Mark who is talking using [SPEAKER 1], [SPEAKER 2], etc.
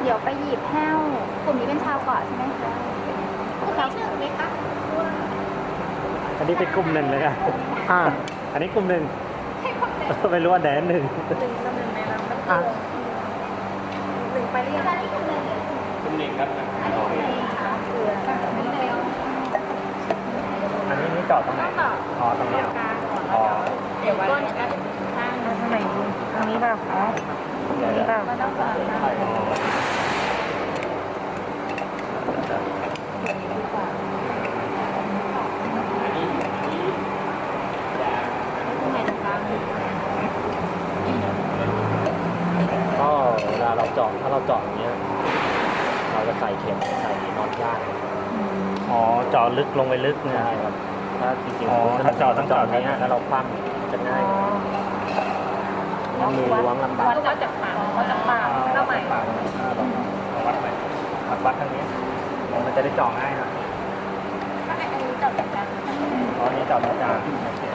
[SPEAKER 1] ดี๋ยวไปหยิบแห้วกลุ่มนี้เป็นชาวเกาะใช่ไหมคะชาว
[SPEAKER 2] ไหมคะ
[SPEAKER 3] อันนี้เป็นกลุ่มหนึ่งเลยครับ อันนี้กลุ่มหนึ่ง
[SPEAKER 2] ให้คนไหน
[SPEAKER 3] ไม่รู้ว่าแดนหนึ่ง
[SPEAKER 2] หนึ่งกับหนึ่งในลำมันหนึ่งไปเรียก
[SPEAKER 1] อันนี้กลุ่มหนึ่ง
[SPEAKER 3] กลุ่มหนึ่งครับ
[SPEAKER 1] อันนี้กลุ่มหนึ่งค่ะ
[SPEAKER 2] เกลือไม่ได้เอา
[SPEAKER 3] อันนี้นี่จอดตรงไหนอ๋อตรงนี้
[SPEAKER 2] กลางก่อน
[SPEAKER 3] อ๋อ
[SPEAKER 2] เดี๋ยวก้นเนี่ยก็ข้างทางไหนดีทางนี้เปล่าอ๋อทางนี้เปล่าก็ต้องก่อนนะดีกว่าทำไมตรงกลาง
[SPEAKER 3] ก็เวลาเราเจาะถ้าเราเจาะอย่างเงี้ย เราจะใส่เข็มใส่น็อตยาก
[SPEAKER 4] อ๋อเจาะลึกลงไปลึกเนี่ย
[SPEAKER 3] ใช่ครับถ้าจริง
[SPEAKER 4] อ๋อถ้าเจาะต้องเจาะ
[SPEAKER 3] เนี้ยแล้วเราคว่ำจะง่ายมือล้วงลำบาก
[SPEAKER 2] วัดจากปากวัดจากปากเข้าใหม่
[SPEAKER 3] ปากเราวัดไปวัดทางนี้มันจะได้เจาะง่ายนะ
[SPEAKER 2] อันนี้จบจากการ
[SPEAKER 3] อ๋อนี่เจาะตรงกลางโอเค